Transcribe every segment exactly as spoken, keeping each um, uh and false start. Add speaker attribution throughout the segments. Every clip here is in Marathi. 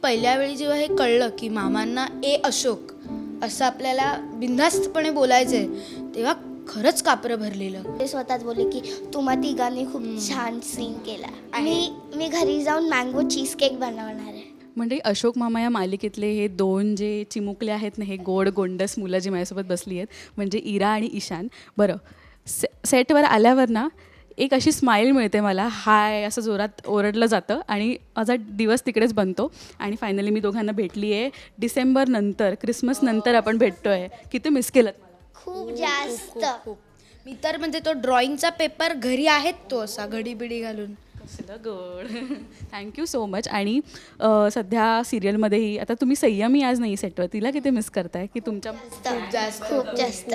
Speaker 1: पहिल्या वेळी जेव्हा हे कळलं की मामांना ए अशोक असं आपल्याला बिनधास्तपणे बोलायचं आहे, तेव्हा खरंच कापरं भरलेलं.
Speaker 2: ते स्वतःच बोलले की तुम्हा तिघांनी खूप छान सीन केला. मी मी घरी जाऊन मँगो चीज केक बनवणार आहे.
Speaker 3: म्हणजे अशोक मामा या मालिकेतले हे दोन जे चिमुकले आहेत ना, हे गोड गोंडस मुलं जी माझ्यासोबत बसली आहेत, म्हणजे इरा आणि ईशान. बरं, से सेटवर आल्यावर ना एक अशी स्माईल मिळते मला, हाय असं जोरात ओरडलं जातं आणि माझा दिवस तिकडेच बनतो. आणि फायनली मी दोघांना भेटली आहे. डिसेंबर नंतर, क्रिसमस नंतर आपण भेटतो आहे. किती मिस केलं मला.
Speaker 2: खूप जास्त.
Speaker 1: खूप. मी तर म्हणजे तो ड्रॉइंगचा पेपर घरी आहेत, तो असा घडी बिडी घालून.
Speaker 3: कसलं गोड. Thank you so much. आणि अ, सध्या सिरियलमध्येही आता तुम्ही संयमी आज नाही सेटवर, तिला किती मिस करताय की तुमच्या
Speaker 1: खूप जास्त
Speaker 2: खूप जास्त.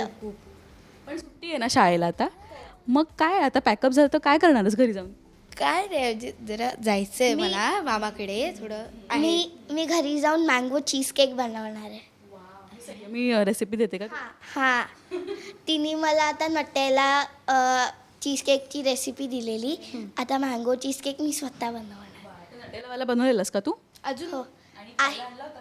Speaker 3: पण सुट्टी आहे ना शाळेला आता, मग काय आता पॅकअप झालं तर काय करणारच घरी जाऊन?
Speaker 1: काय रे, म्हणजे जरा जायचंय मला मामाकडे थोडं.
Speaker 2: मी मी घरी जाऊन मँगो चीज केक बनवणार आहे.
Speaker 3: मी रेसिपी देते का?
Speaker 2: हां, तिने मला आता नटेला चीज केकची रेसिपी दिलेली. आता मँगो चीज केक मी स्वतः बनवणार.
Speaker 3: नटेलावाला बनवलेलंस का तू?
Speaker 1: अजून
Speaker 2: हो आहे.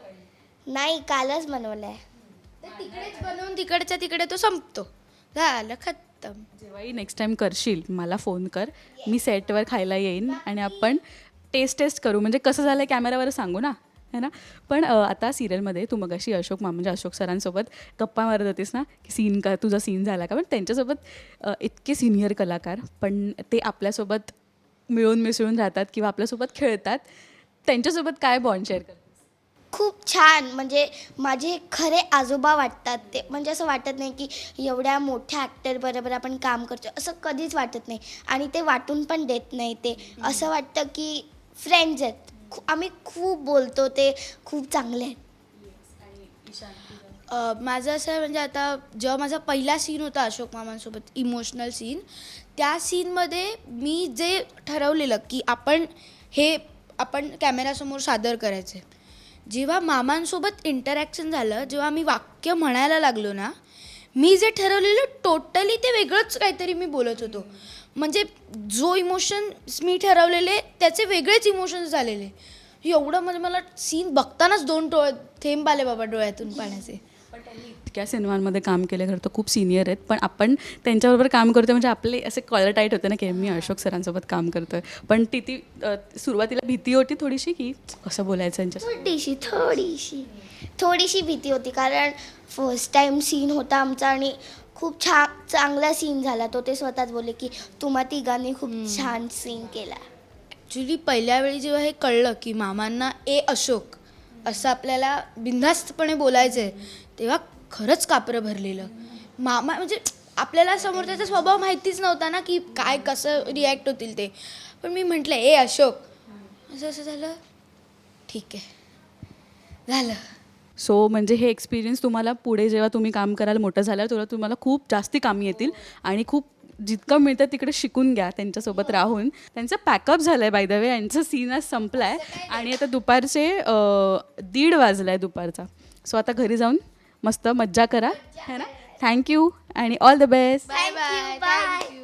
Speaker 2: नाही, कालच बनवलं आहे.
Speaker 1: ते तिकडेच बनवून तिकडच्या तिकडे तो संपतो. झालं खत्तम.
Speaker 3: जेव्हाही नेक्स्ट टाइम करशील मला फोन कर, मी सेटवर खायला येईन आणि आपण टेस्ट टेस्ट करू. म्हणजे कसं झालं आहे कॅमेरावर सांगू ना, है ना. पण अ, आता सिरियलमध्ये तू मगाशी अशोक मा म्हणजे अशोक सरांसोबत गप्पा मारत होतीस ना, की सीन का तुझा सीन झाला का. पण त्यांच्यासोबत अ, इतके सिनियर कलाकार, पण ते आपल्यासोबत मिळून मिसळून राहतात किंवा आपल्यासोबत खेळतात. त्यांच्यासोबत काय बॉन्ड शेअर करतात?
Speaker 2: खूप छान. म्हणजे माझे खरे आजोबा वाटतात ते. म्हणजे असं वाटत नाही की एवढ्या मोठ्या ॲक्टर बरोबर आपण काम करतो, असं कधीच वाटत नाही. आणि ते वाटून पण देत नाही. ते असं वाटतं की फ्रेंड्स आहेत. खू आम्ही खूप बोलतो, ते खूप चांगले आहेत.
Speaker 1: अ, माझं असं आहे, म्हणजे आता जेव्हा माझा पहिला सीन होता अशोक मामांसोबत, इमोशनल सीन, त्या सीनमध्ये मी जे ठरवलेलं की आपण हे आपण कॅमेऱ्यासमोर सादर करायचं आहे, जेव्हा मामांसोबत इंटरॅक्शन झालं, जेव्हा मी वाक्य म्हणायला लागलो ना, मी जे ठरवलेलं टोटली ते वेगळंच काहीतरी मी बोलत होतो. म्हणजे जो इमोशन्स मी ठरवलेले त्याचे वेगळेच इमोशन्स झालेले. एवढं म्हणजे मला सीन बघतानाच दोन डोळे थेंब आले बाबा डोळ्यातून पाण्याचे.
Speaker 3: इतक्या सिनेमांमध्ये काम केले, खरं तर खूप सिनियर आहेत, पण आपण त्यांच्याबरोबर काम करतो म्हणजे आपले असे कॉलर टाईट होते ना, की मी अशोक सरांसोबत काम करतोय. पण ती ती अ, सुरुवातीला भीती होती थोडीशी, की कसं बोलायचं यांच्यासोबत.
Speaker 2: थोडीशी थोडीशी थोडीशी भीती होती, कारण फर्स्ट टाईम सीन होता आमचा आणि खूप छान चांगला सीन झाला. तो ते स्वतःच बोलले की तुम्हा तिघांनी खूप छान सीन केला.
Speaker 1: ॲक्च्युली पहिल्या वेळी जेव्हा हे कळलं की मामांना ए अशोक असं आपल्याला बिनधास्तपणे बोलायचं आहे, तेव्हा खरंच कापरं भरलेलं. मामा म्हणजे आपल्याला समोर त्याचा स्वभाव माहितीच नव्हता ना, की काय कसं रिॲक्ट होतील ते. पण मी म्हटलं ए अशोक, असं असं झालं, ठीक आहे झालं.
Speaker 3: सो म्हणजे हे एक्सपिरियन्स तुम्हाला पुढे जेव्हा तुम्ही काम कराल, मोठं झाल्यावर तेव्हा तुम्हाला खूप जास्ती कामी येतील. आणि खूप जितकं मिळतं तिकडे शिकून घ्या त्यांच्यासोबत राहून. त्यांचं पॅकअप झालं आहे बाय द वे, यांचं सीन आज संपला आहे आणि आता दुपारचे अ, दीड वाजला आहे दुपारचा. सो आता घरी जाऊन मस्त मज्जा करा, है ना. थँक्यू आणि all the best.
Speaker 1: Bye bye.